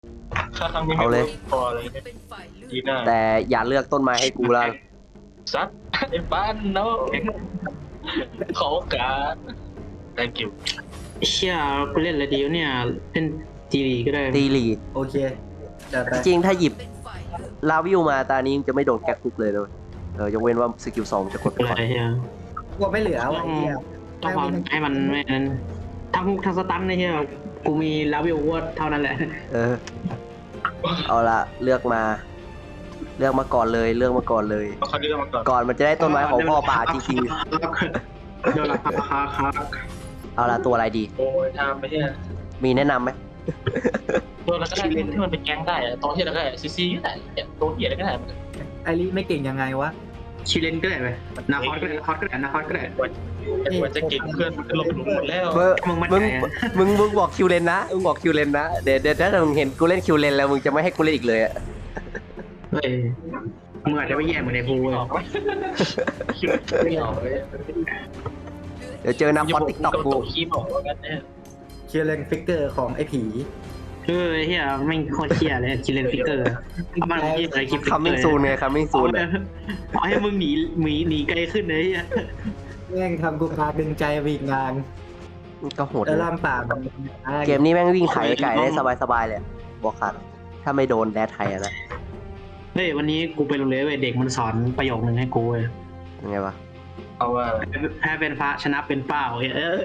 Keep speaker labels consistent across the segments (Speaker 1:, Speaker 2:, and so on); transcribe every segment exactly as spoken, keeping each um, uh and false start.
Speaker 1: ถ้าครั้งนี้ไม่เวิร์กพอเลยดีหน้า
Speaker 2: แต่อย่าเลือกต้นไม้ให้กูแล้ว
Speaker 1: ซัดไอ้บ้านเนาะขอโอกาส thank you
Speaker 3: เชี่ยกูเล่นอะไรดีวะเนี่ยเล่นทีวีก็ได้
Speaker 2: ตีลีด
Speaker 4: โอเคจัดไป
Speaker 2: จริงถ้าหยิบลาวิวมาตานี้จะไม่โดนแก๊กคุกเลยเลยเออยกเว้นว่าสกิลสองจะกดไป
Speaker 3: อะไร
Speaker 2: ก่อน
Speaker 3: เฮีย
Speaker 4: กลัวไม่เหลือว่ะไอ้เหี้ย
Speaker 3: ต้องความให้มันไม่นั้นทั้งทั้งสตันนะเฮียกูมีลาวิโอเวอร์เท่านั้นแหละ
Speaker 2: เออเอาละเลือกมา เลือกมาก่อนเลยเลือกมาก่อนเลย
Speaker 1: เอาครั้งนี้เรามาก่อน
Speaker 2: ก่อนมันจะได้ต้นไม้ของพ่อป่าจริง
Speaker 3: ๆโดนราคาราคาครับ
Speaker 2: ๆเอาละตัวอะไรดี
Speaker 1: โอ้ยทำไปเนี่ย
Speaker 2: มีแนะนำไหม
Speaker 1: ตัวเราก็ได้ที่มันเป็นแก๊งได้อะตัวที่เราก็ได้ซีซีก็ได้ตัวเหี้ยอะไรก็ได้
Speaker 4: ไอริไม่เก่งยังไงวะ
Speaker 3: ชิเลนก็ได้ไหมนาคอสก็ได้นาคอสก็ได้นาคอสก็ได้
Speaker 1: ไอ้ตัวจะเก่งเพื่อนมันก็ลงไปหมดแล้ว
Speaker 2: เบอร์
Speaker 3: มึงมั่น
Speaker 2: มึง
Speaker 3: ใจอะ
Speaker 2: มึงมึงบอกคิวเลนนะมึงบอกคิวเลนนะเดี๋ยวเดี๋ยวถ้ามึงเห็นกูเล่นคิวเลนแล้วมึงจะไม่ให้กูเล่นอีกเลยอะ
Speaker 3: เฮ้ยมึงอาจจะไม่แย่เหมือนในภู
Speaker 1: ไม่
Speaker 3: เลย
Speaker 1: ออกไหมไม่ออกเลย
Speaker 2: เดี๋ยวเจอน้ำพอตติ๊กต็อกกู
Speaker 1: คีบออกว่ากันเนี่ย
Speaker 4: เชียร์เลนฟิกเกอร์ของไอ้ผี
Speaker 3: เฮ้ยเฮียไม่โคตรเชี่ยเลยชิเลนฟิกเกอร์มันที่อะไรคลิป
Speaker 2: คัมมิ่งซูนไงคัมมิ่งซูน
Speaker 3: ขอให้มึงหนีหนีหนีไกลขึ้นเลยเฮีย
Speaker 4: แม่งทำกูพาดึงใจวีกงาน
Speaker 2: ก็โหด
Speaker 4: แล้ว
Speaker 2: นะ
Speaker 4: ล่ามป่ามัน
Speaker 2: เกมนี้แม่งวิ่งไถไก่ได้สบายๆเลยอะบอกขาดถ้าไม่โดนแดดไทยอะนะ
Speaker 3: เฮ้ยวันนี้กูไปโรงเรียนเว้ยเด็กมันสอนประโยคนึงให้กูเว้ย
Speaker 2: ยังไงวะ
Speaker 1: เอาว่า
Speaker 3: แพ้เป็นพระชนะเป็นเป้าเฮ้ยเออ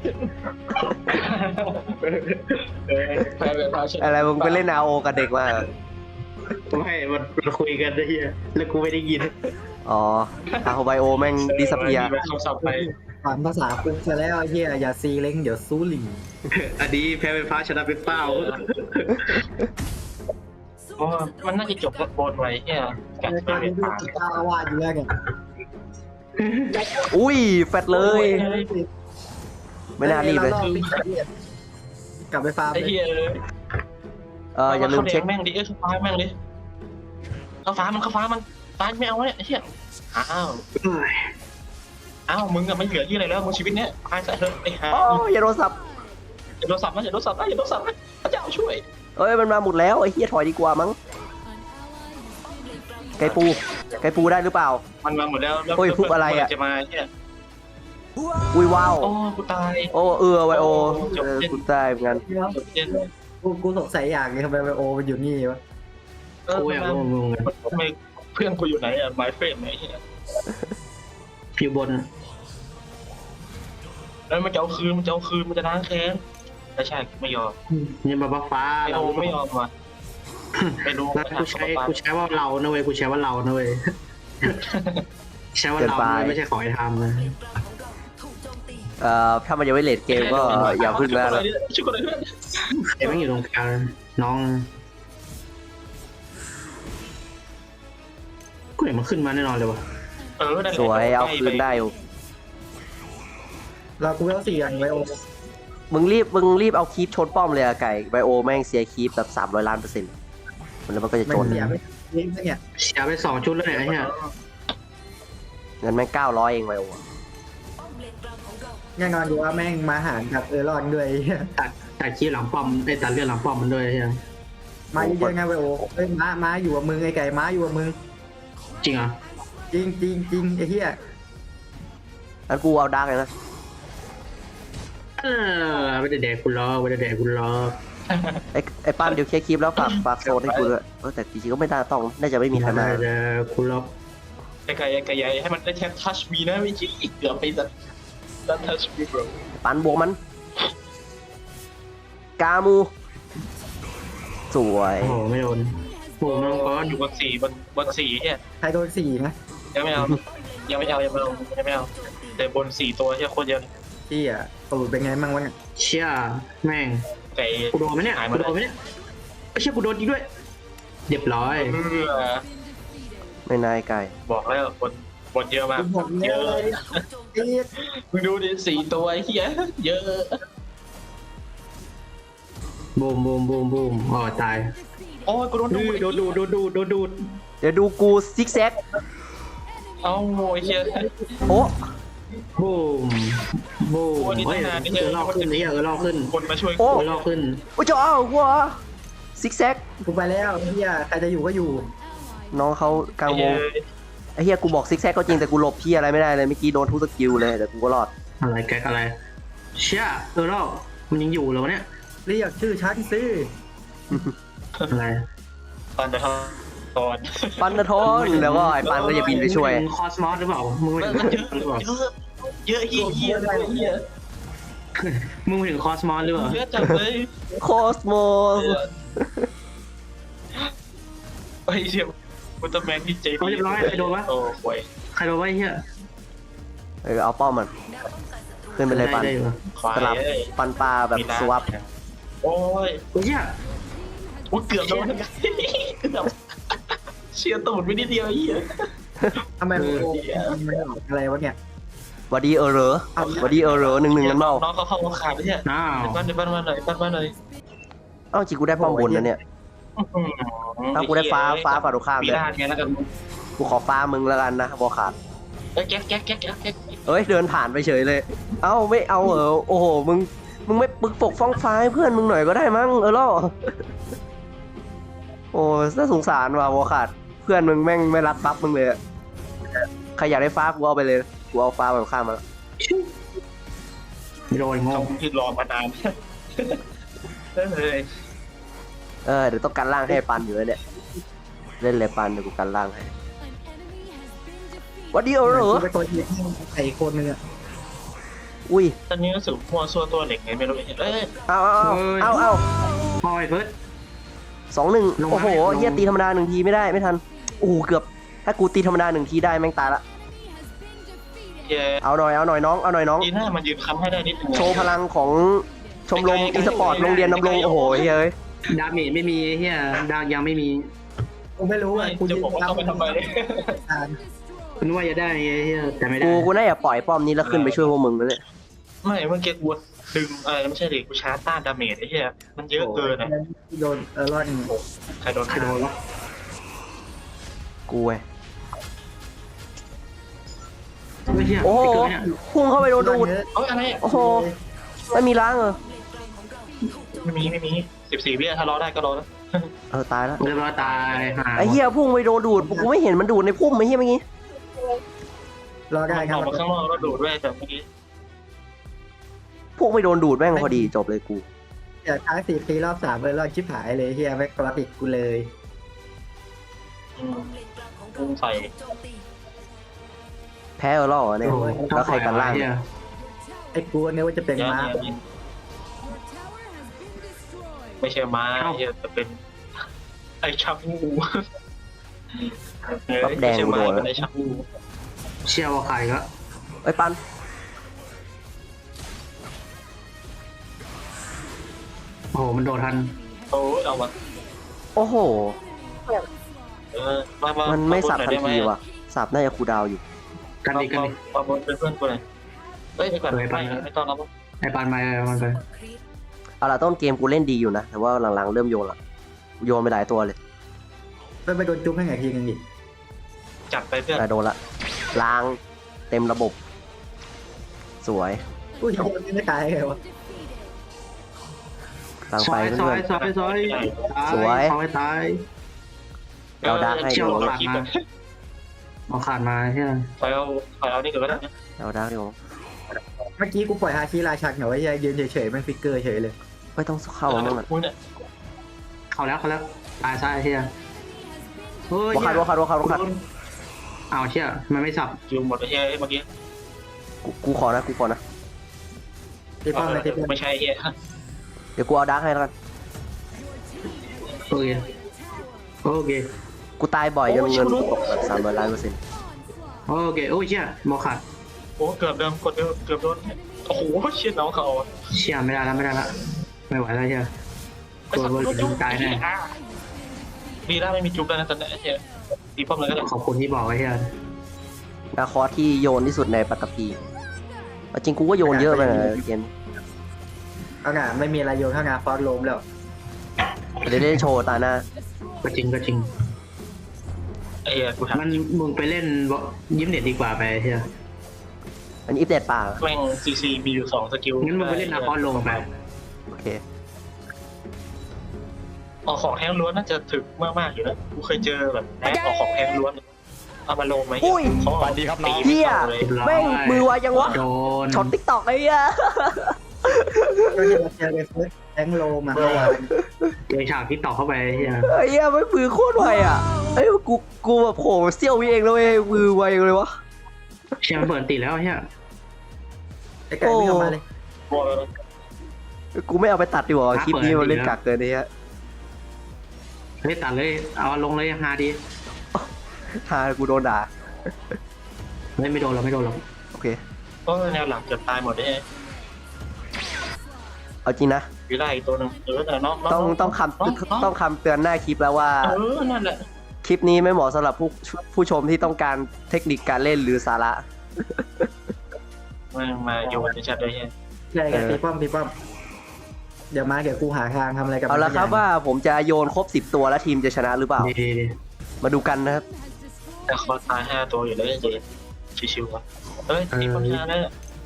Speaker 1: แพ้เป็นพาช
Speaker 2: อะไรมึงไปเล่นอาโอกับเด็กมา
Speaker 3: ไม่มันมันคุยกันไอ้เฮียแล้วกูไม่ได้ยิน
Speaker 2: อ๋ออาโฮไบโอแม่งดิสเพีย
Speaker 1: ไปคำศัพท์ไป
Speaker 4: สอนภาษาคุกซะแล้วไอ้เหี้ยอย่าซีเล้งเดี๋ยวซูหลี
Speaker 3: อันนี้แพ้เป็นพระชนะเป็นเป้า
Speaker 1: โอ้มันน่าจะจบกับบนไว้เนี่ยกั
Speaker 4: ใน
Speaker 1: ด
Speaker 4: ตอน
Speaker 1: ไป
Speaker 4: นี้
Speaker 1: เป็น
Speaker 4: ดู
Speaker 1: ผ่าน
Speaker 4: เจ้าอาวาสอยู่แล้วเนี่ย
Speaker 2: อุ้ยแฟดเลย ไม่น่ารีบเลย
Speaker 4: กลับไปฟาร์ม
Speaker 1: ไอ้เหี้ยเลย
Speaker 2: เอออย่าลืมเช็ค
Speaker 1: แม่งดิเอ้ยเข้าฟ้าแม่งดิเข้าฟ้ามันเข้าฟ้ามันฟ้าไม่เอาเนี่ยไอ้เหี้ยอ้าวอ้าวมึงอะไม่เหลือที่อะไรแล้วมึงชีวิตเนี้ยตายซะเถอะไอ้ห่า
Speaker 2: โอ้อย่าโดนสับ
Speaker 1: อย่าโดนสับนะอย่าโดนสับนะอย่าโดนสับนะพระเจ้าช่วย
Speaker 2: เอ้ยมันมาหมดแล้วไอ้เฮียถอยดีกว่ามั้งไก่ปูไก่ปูได้หรือเปล่า
Speaker 1: มันมาหมดแล้วแล้ว
Speaker 2: โอ้ยฟุกอะไรอะ
Speaker 1: จะมาเนี่ย
Speaker 2: อุ้ยว้าว
Speaker 1: โอ้กูตาย
Speaker 2: โอ้เออไวโอ
Speaker 1: จบ
Speaker 2: เออ
Speaker 1: เล่น
Speaker 2: กูตายเหมือนกัน
Speaker 1: จบเย็น
Speaker 4: กูกูสงสัยอย่างนี้ทำไมไบโอมันอยู่นี่วะ
Speaker 1: เออ
Speaker 3: กูอยากรู้มึง
Speaker 1: ทำไมเพื่อนกูอยู่ไหนอะ my friend ไหนเหี้ย
Speaker 3: อยู่บน
Speaker 1: แล้วมันจะเอาคืนมันจะเอาคืนมันจะล้างแค้นไม่ใช่ไม่ยอม
Speaker 3: ยังมาบ้าฟ้า
Speaker 1: ไม่เอาไม่ยอมว่ะไปดู
Speaker 3: แล้วกูใช้กูใช้ว่าเรานะเว้ยกูใช้ว่าเรานะเว้ยใช้ว่าเรานะเว้ยไม่ใช่ขอให้ทำนะ
Speaker 2: เอ่อถ้ามันยังไม่เลดเกมก็อย่าพึ่งนะ
Speaker 1: ช่วยกันเลยเพื่อน
Speaker 3: ไอ้แม่งอยู่ตรงกลางน้องกูเห็นมันขึ้นมาแน่นอนเลยวะ
Speaker 1: เออนั่นแหละ
Speaker 2: สวยเอาคืนได้อยู่
Speaker 4: เรากูไม่ต้องสี่อย่างไบโอ
Speaker 2: มึงรีบมึงรีบเอาคีปชนป้อมเลยอะไก่ไบโอแม่งเสียคีปแบบสามร้อยล้านเปอร์เซ็นต์มันแล้วมันก็จะ
Speaker 4: ไม่
Speaker 2: จน
Speaker 4: เสียไม่เลี้ยงซะเนี่ย
Speaker 3: เสียไปสองชุดแล้วเนี่ยไอ้เหี้ย
Speaker 2: เงินแม่งเก้าร้อยเองไบโอ
Speaker 4: แน่นอนอยู่ว่าแม่งมาหารกับเออรอนด้วย
Speaker 3: ตัดตัดขี้หลังป้อมไอ้ตัดเลือดหลังป้อมมันด้วยไอ้เหี้ย
Speaker 4: มาเยอะๆไงไบโอเอ้ยม้าม้าอยู่กับมึงไอ้ไก่ม้าอยู่กับมึง
Speaker 3: จริงเหรอ
Speaker 4: จริงจริงจริงไอ้เหี้ย
Speaker 2: งั้นกูเอาดาร์กเลยนะ
Speaker 3: เออไม่ได้แดกกูล้อไม่ได้แดกกูล้อ
Speaker 2: ไอ้ไอ้ป้านเดี๋ยวเคลียร์คีปแล้วฝากฝากโซนให้กูด้วยเออแต่จริงๆก็ไม่น่าต้องน่าจะไม่มีใครมา
Speaker 3: ไม่ได้แดกกูล้อ
Speaker 1: ไอ้ไก่ไอ้ไก่ใหญ่ให้มันได้แค่ touch me นะไม่ใช่เกือบไปสัตว์ don't touch me bro
Speaker 2: ปันบวกมัน กามูสวย
Speaker 3: โอ้โหไม่โดนโอ้โหน้องก้อน
Speaker 1: อยู่บนสี่บนบนสี่เนี่ย
Speaker 4: ใครโดนสี่นะ
Speaker 1: ยังไม่เอายังไม่เอายังไม่เอายังไม่เอาแต่บนสี่ตัวที่โคตรเยอะ
Speaker 4: ที่อ่ะตูดเป็นไงมั่งวะเนี่ย
Speaker 3: เชี่ยแม่ง
Speaker 1: ไก่
Speaker 3: กูโดนไหมเนี่ย
Speaker 1: หายหม
Speaker 3: กู
Speaker 1: ด
Speaker 3: โดนไหมเนี่ยไม่ใช่กูโดนจริงด้วยเรียบร้อย
Speaker 1: เออ
Speaker 2: ไม่นายไก่
Speaker 1: บอกแล้วบนบนเยอะมาก
Speaker 4: กูบอกเย
Speaker 1: เย
Speaker 4: อะ
Speaker 1: อะ
Speaker 4: เลยไอ้เหี้ย
Speaker 1: มึงดูดิสี่ตัวไอ้เหี้ยเยอะ
Speaker 3: บูมบูมบูมบูมอ๋อตาย
Speaker 1: โอ้ยกูโดน
Speaker 3: ดู
Speaker 1: ดู
Speaker 3: ดดูดดูดูดูดูด
Speaker 2: เดี๋ยวดูกูซิกแซก
Speaker 1: เอ้าโอ้ยเหี้ย
Speaker 2: โอ้
Speaker 3: บูมบูม
Speaker 1: โอ้ยนี่
Speaker 3: เฮ้ย
Speaker 1: ตั้งนานนี่
Speaker 3: เออลอกขึ้นนี่เออลอกขึ้น
Speaker 1: คนมาช่วย
Speaker 3: เออลอกขึ้น
Speaker 2: โอ้เจ้าหัวซิกแซก
Speaker 4: กูไปแล้วเฮียใครจะอยู่ก็อยู่
Speaker 2: น้องเขากลางวงไอ้เฮียกูบอกซิกแซกก็จริงแต่กูหลบพี่อะไรไม่ได้เลยเมื่อกี้โดนทุกสกิลเลยแต่กูก็รอด
Speaker 3: อะไรแก๊กอะไรเชี่ยเออแล้วมันยังอยู่เหรอวะเนี่ย
Speaker 4: เรียกชื่อฉันสิ
Speaker 3: อะไร
Speaker 1: ตอนเดี๋ยวตอน
Speaker 2: ปันนะทอนแล้วก็ไอ้ปันก็จะบินไปช่วย
Speaker 3: มึงคอสมอสหรือเปล่ามึงไม่
Speaker 1: มัน
Speaker 3: ถึง
Speaker 1: เยอะ
Speaker 3: หรือเปล่า
Speaker 1: เยอะเยอะเฮียเฮียเฮีย
Speaker 3: มึงไม่ถึงคอสมอสหรือเปล่า
Speaker 1: เยอะจังเลย
Speaker 2: โคสโมส
Speaker 1: ไอ้เชี่ยอุลตร้าแมนที่เจ
Speaker 3: เขาเรียบร้อยใครโดนวะ
Speaker 1: โอ้โห
Speaker 3: ใครโดนวะไอ้เหี้ย
Speaker 2: เออเอาป้อมมันขึ้นไปเลยปัน
Speaker 3: ได้อยู่
Speaker 1: ควาย
Speaker 2: สลับ
Speaker 1: เอ้ย
Speaker 2: ปันปลาแบบสวับ
Speaker 1: โอ้ย
Speaker 3: โอ้ยเหี้ย
Speaker 1: โอ้ยเกือบโดนเกือบเชียร์ตูดไปนิดเดียวไอ้เหี้ย
Speaker 4: ทำไมมันโกงมันออกอะไรวะเนี่ย
Speaker 2: วัดดีเออเหรอวัดดีเออเหรอหนึ่งหนึ่งกันเมา
Speaker 1: น้องเขาเข้าขาดไปเนี่ย
Speaker 3: อ้าว
Speaker 1: บ้านบ้านมาหน่อยบ้านมาหน่อย
Speaker 2: เอ้าจริงกูได้ป้อมบนนะเนี่ยถ้ากูได้ฟ้าฟ้าฝ่าตรงข้าม
Speaker 1: ปี
Speaker 2: เลย
Speaker 1: ด้านไงแล้วกัน
Speaker 2: กูขอฟ้ามึงแล้วกันนะบอขาด
Speaker 1: เอ้ยแก๊กแก๊กแก๊กแก๊กแก๊ก
Speaker 2: เอ้ยเดินผ่านไปเฉยเลย เอ้าไม่เอาเหรอโอ้โหมึงมึงไม่ปึกปกฟ้องฟ้าให้เพื่อนมึงหน่อยก็ได้มั้งเออล่อโอ้น่าสงสารว่ะบอขาดเพื่อนมึงแม่งไม่รักบัฟมึงเลยอะใครอยากได้ฟ้ากูเอาไปเลยกูเอาฟ้าแบบข้ามมาแล้ว
Speaker 3: ไม่โดนงง
Speaker 1: คำที่รอมานานเฮ้ย
Speaker 2: เออเดี๋ยวต้องกันล่างให้ปันอยู่แล้วเนี่ยเล่นเลยปันเดี๋ยวกูกันล่างให้วัดดีเออเหรอ
Speaker 4: กูไปตัวทีไอ้คนนึงอะ
Speaker 2: อุ้ย
Speaker 1: ตอนนี้รู้สึกมัวซัวตัวเหล็กไงไม่รู้เอ้ย
Speaker 2: เอาเอาเอาเอาเอา
Speaker 3: พอยเฟิร์ส
Speaker 2: สองหนึ่ง
Speaker 3: ลงมา
Speaker 2: โอ้โห
Speaker 3: ลง
Speaker 2: เฮียตีธรรมดาหนึ่งทีไม่ได้ไม่ทันโอ้โหเกือบถ้ากูตีธรรมดาหนึ่งทีได้แม่งตายละ
Speaker 1: เย้
Speaker 2: เอาหน่อยเอาหน่อยน้องเอาหน่อยน้อง
Speaker 1: ดีหน้ามันยืนค้ำให้ได้นิดนึง
Speaker 2: โชว์พลังของชมรมอีสปอร์ตโรงเรียนนำรงโอ้โหเฮ้ย
Speaker 3: ดาเมจไม่มีไอ้เหี้ยดาวยังไม่มี
Speaker 4: กูไม่รู้
Speaker 1: ไม่
Speaker 4: อ่ะกู
Speaker 1: จะบอกว่าเข้าไปทำไม
Speaker 4: อ่าน
Speaker 3: คุณว่าจะได้ไงไอ้เหี้ยแต่ไม่ได้
Speaker 2: กูกูน่าจะปล่อยป้อมนี้แล้วขึ้นไปช่วยพวกมึงนั่นแหละ
Speaker 1: ไม่เมื่อกี้กูดึงอะไรไม่ใช่ดิกูชาร์จต้านดาเมจไอ้เหี้ยมันเยอะเกินอ่ะ
Speaker 4: โดนเออรอดหนึ่ง
Speaker 1: ใครโดน
Speaker 3: ใครโดนวะ
Speaker 2: กูเว้ย
Speaker 3: ไอ้เหี้ย
Speaker 2: โอ้โห
Speaker 3: ไเกินเนี่ย
Speaker 2: พุ่งเข้าไปโดนดูด
Speaker 1: เอ้ยอะไร
Speaker 2: โอ้โหไม่มีล้างเหรอ
Speaker 1: ไม่มีไม่มีสิบสี่วิถ้ารอได้ก็รอแล้ว
Speaker 2: เออตายแล้ว
Speaker 3: เรียบร้อยตายหา
Speaker 2: ไอ้เหี้ยพุ่งไปโดนดูดกูไม่เห็นมันดูดในพุ่มไอ้เหี้ยเมื่อกี้
Speaker 4: รอได้ค
Speaker 1: อ
Speaker 4: รับ
Speaker 1: อกมาข้างนอกแล้วดูดด้วยแต่เมื่อกี้
Speaker 2: พุ่งไปโดนดูดแม่งพอดีจบเลยกู
Speaker 4: เดี๋ยวท้ายสี่ตีรอบสามเลยรอดชิบหายเลยเฮียแม็กกราติกกูเลย
Speaker 1: อืมพุ่งใส่
Speaker 2: แพ้เออล่อเนี่ย
Speaker 3: โอ้โห
Speaker 2: แล้วใครกันล่าง
Speaker 3: เหี้ย
Speaker 4: ไอ้กูเนี่ยว่าจะเป็น
Speaker 1: เยอะ
Speaker 4: ม้า
Speaker 1: เนี่ยไม่ใช่ม้าเหี้ยแต่เป็นไอชาบูไม่ใช่ม้าเป็นไอชาบู
Speaker 3: เชี่ยว่าใครก็
Speaker 2: ไอ้ยปัน
Speaker 3: โอ้โหมันโดดทัน
Speaker 1: โอ้ยเอามา
Speaker 2: โอ้โห
Speaker 1: เออมามา
Speaker 2: มันไม่สับทัน
Speaker 1: ได้ไหม
Speaker 2: ทีว่ะสับน่าจะคูลดาวน์อยู่
Speaker 3: กันดิกันดิ
Speaker 1: มาบนเป็นเพื่อนกูเลยเฮ้ยไปก่อน
Speaker 3: เฮ้ยไป
Speaker 1: ไม่ไม่ต้องแล้ว
Speaker 3: ไอ้ปานมาไอ้ปานไป
Speaker 2: เอาล่ะต้นเกมกูเล่นดีอยู่นะ แต่ว่าหลังๆเริ่มโยนละโยนไปหลายตัวเลย
Speaker 4: ไปไปโดนจุ๊บให้ไงทีนึงดิ
Speaker 1: จับไปเพื่อน
Speaker 2: แต่โดนละล้างเต็มระบบ สวย
Speaker 4: อุ้ยคนนี้ไม่ตายไงวะ
Speaker 2: ล้าง
Speaker 3: ซ
Speaker 2: ไป
Speaker 3: อยซอ
Speaker 2: เพื่
Speaker 3: ย
Speaker 2: อน
Speaker 3: ซอยซอย
Speaker 2: สวย
Speaker 3: ซอยตาย
Speaker 2: ๆเราดักให้
Speaker 3: เชี่ยว
Speaker 2: ดู
Speaker 3: ขาดมาเอาขาดมาใช่ไหม
Speaker 1: ถอยเอาถอยเอานี่ก็ได้นะ
Speaker 2: เราดักดู
Speaker 4: เมื่อกี้กูปล่อยฮาชิราชักเหรอวะเฮียยืนเฉยๆมันฟิกเกอร์เฉยเลย
Speaker 2: ไม่ต้องเข้ามั่งอ่ะ
Speaker 1: มึงเนี่ย
Speaker 3: เข้าแล้วเข้าแล้วตายซ้ายเชี่ยเฮ้ย
Speaker 2: วัวขาดวัวขาดวัวขาดวัวขาด
Speaker 3: อ้าวเชี่ยมันไม่สับ
Speaker 1: อยู่หมดไอ้เหี้ยเมื่อกี้
Speaker 2: กูกูขอนะกูขอนะ
Speaker 4: ตีป้อมเลยตีป้อม
Speaker 1: ไม่ใช่ไอ้เหี้ย
Speaker 2: เดี๋ยวกูเอาดักให้แล้วกัน
Speaker 3: โอเคโอเค
Speaker 2: กูตายบ่อยจนเงินกูตกแบบสามร้อยล้านเปอร์เซ็นต์
Speaker 3: โอเคโอ้ยเชี่ยมอขาด
Speaker 1: โอ้เกือบเดิมกดเดิมเกือบโดนโอ้โหเชี่ยน้องเขา
Speaker 3: เชี่ยไม่ได้แล้วไม่ได้แล้วไม่ไหวแล้วเชี่ย
Speaker 1: ไปสับลูกจุ๊บตายแน่ดีแล้วไม่มีจุ๊บแล้วนะตอนนี้ไอ้เหี้ยตีป้อมเลยก็ได้
Speaker 3: ขอบคุณที่บอกไว้เชี่ย
Speaker 2: นาคอสที่โยนที่สุดในปัตตภีเอาจริงกูก็โยนเยอะไปนะเกม
Speaker 4: เอางะไม่มีอะไรโยนข้างงาฟอสโลมแล้ว
Speaker 2: เดี๋ยวได้โชว์ตาหน้า
Speaker 3: ก็จริงก็จริง
Speaker 1: ไอ้เหี้ยกูถาม
Speaker 3: มันมึงไปเล่นยิ้มเด็ดดีกว่าไปเชี่ย
Speaker 2: อันนี้อิฟเดตป่า
Speaker 1: แม่งซีซีมีอยู่สองสกิล
Speaker 3: งั้นมึงไปเล่นนาคอนลงไป
Speaker 2: โอเค
Speaker 1: ออกของแห้งล้วนน่าจะถึกมากๆอยู่นะกูเคยเจอแบบแอดออกของแห้งล้วนเอามาลงไหม
Speaker 2: อุ้ย
Speaker 1: เขาสวัสดีครับน้อง
Speaker 2: เฮียแม่งมือไวยังวะ
Speaker 3: โดน
Speaker 2: ช็อตติ๊กตอกไอ้เหี้ย
Speaker 4: ก็ที่เราเจอไปเฟิร์สแองโลมาเมื่อวาน
Speaker 3: เจอฉากที่ต่อเข้าไปเฮีย
Speaker 2: ไอ้เหี้ยไม่มือโคตรไวอ่ะเอ้ยกูกูแบบโผล่เสี้ยววิเองแล้วเว้ยมือไวเลยวะ
Speaker 3: เชียร์มันเปิดติดแล้วเฮีย
Speaker 4: ไอ้ไก่ไม่เข้ามาเลย
Speaker 2: กูไม่เอาไปตัดดีกว่าคลิปนี้มันเล่นกักเกินไอ้เหี้ย
Speaker 3: เฮ้ยตัดเลยเอาลงเลยฮาดี
Speaker 2: ฮากูโดนด่า
Speaker 3: ไม่ไม่โดนเราไม่โดนเรา
Speaker 2: โอเค
Speaker 1: ก็แนวหลังเกือบตายหมดได้
Speaker 2: เอาจริงนะ
Speaker 1: วิไลตัวนึงเออแต่น้อง
Speaker 2: ต้องต้องคำต้องคำเตือนหน้าคลิปแล้วว่า
Speaker 1: เออนั่นแหละ
Speaker 2: คลิปนี้ไม่เหมาะสำหรับผู้ผู้ชมที่ต้องการเทคนิคการเล่นหรือสาระ
Speaker 1: มามาโยนในแชทได้ยัง
Speaker 4: ใช่ไงตีป้อมตีป้อมเดี๋ยวมาเดี๋ยวกูหาทางทำอะไรกับ
Speaker 2: เอาละครับ
Speaker 4: มัน
Speaker 2: ว่าผมจะโยนครบสิบตัวแล้วทีมจะชนะหรือเปล่า
Speaker 3: ดีดีดี
Speaker 2: มาดูกันนะครับ
Speaker 1: แต่คอตายห้าตัวอยู่แล้วเจ๊ชิวๆวะเฮ้ยทีมพัฒนาได้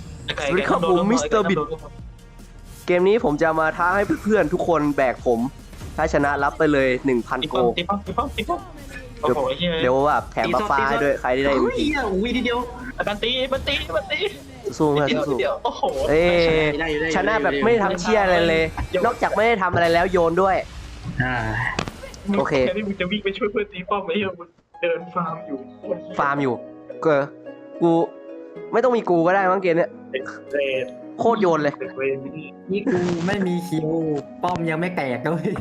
Speaker 1: เกมนี้ผมจะมาท้าให้เพื่อนๆทุกคนแบกผม ถ้าชนะรับไปเลย หนึ่งพันตี
Speaker 2: โก
Speaker 1: ป้อมตีป้อมตีป้อมตีป้อมโอ้โหเฮีย
Speaker 2: เดี๋ยวแบบแถมบัฟฟ้าให้ด้วยใครที่ได้
Speaker 3: เฮ้
Speaker 2: เอ็
Speaker 3: ย
Speaker 2: มพี
Speaker 3: เฮียวีทีเดียว
Speaker 1: บันตีบันตีบันตี
Speaker 2: สู้เพื่อน
Speaker 1: เดียว
Speaker 2: สู้
Speaker 1: เดียวโอ้โห
Speaker 2: เอ้ย
Speaker 3: ได้อยู่ได้อยู่
Speaker 2: ชนะแบบไม่ทำเชี่ยอะไรเลย นอกจากไม่ได้ทำอะไรแล้วโยนด้วย
Speaker 3: อ่า
Speaker 2: โอเค
Speaker 1: แค่ที่มึงจะวิ่งไปช่วยเพื่อนตีป้อมไอ้เหี้ยมึงเดินฟาร์มอยู่
Speaker 2: ฟาร์มอยู่เกอกูไม่ต้องมีกูก็ได้มั้งเกมเนี้ย
Speaker 1: เรด
Speaker 2: โคตรโยนเลย
Speaker 1: เรด
Speaker 4: นี่กูไม่มีคิวป้อมยังไม่แตกด้วย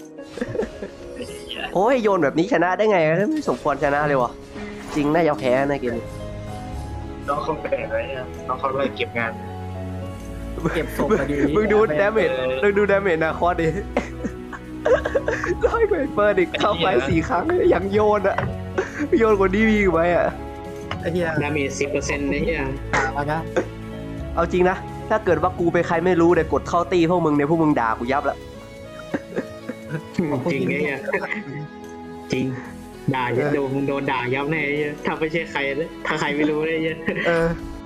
Speaker 2: โอ้ยโยนแบบนี้ชนะได้ไงไม่สมควรชนะเลยวะจริงน่าจะแพ้นะเกมนี้
Speaker 1: น้องเขาแปลกอะไรอ่ะน้องเขาเลยเก็บงาน
Speaker 4: เก็บศพมาดี
Speaker 2: มึงดูดาเมจมึงดูดาเมจนาคอสดิร้อยกว่าเปิดอีกเข้าไปสี่ครั้งยังโยนอะโยนกว่านี้มีอีกไหมอะ
Speaker 4: ไอ้เหี้ย
Speaker 3: ดาเมจสิบเปอร์เซ็นต์เนี่ยเฮีย
Speaker 4: เอานะ
Speaker 2: เอาจริงนะ ถ้าเกิดว่ากูเป็นใครไม่รู้แต่กดเข้าตีพวกมึงเนี่ยพวกมึงด่ากูยับแล้ว
Speaker 3: จริงเนี่ยเฮียจริงด่าจะโดนมึงโดนด่ายับแน่เฮียถ้าไม่ใช่ใครนะถ้าใครไม่รู้เนี่ยเฮีย
Speaker 2: เออ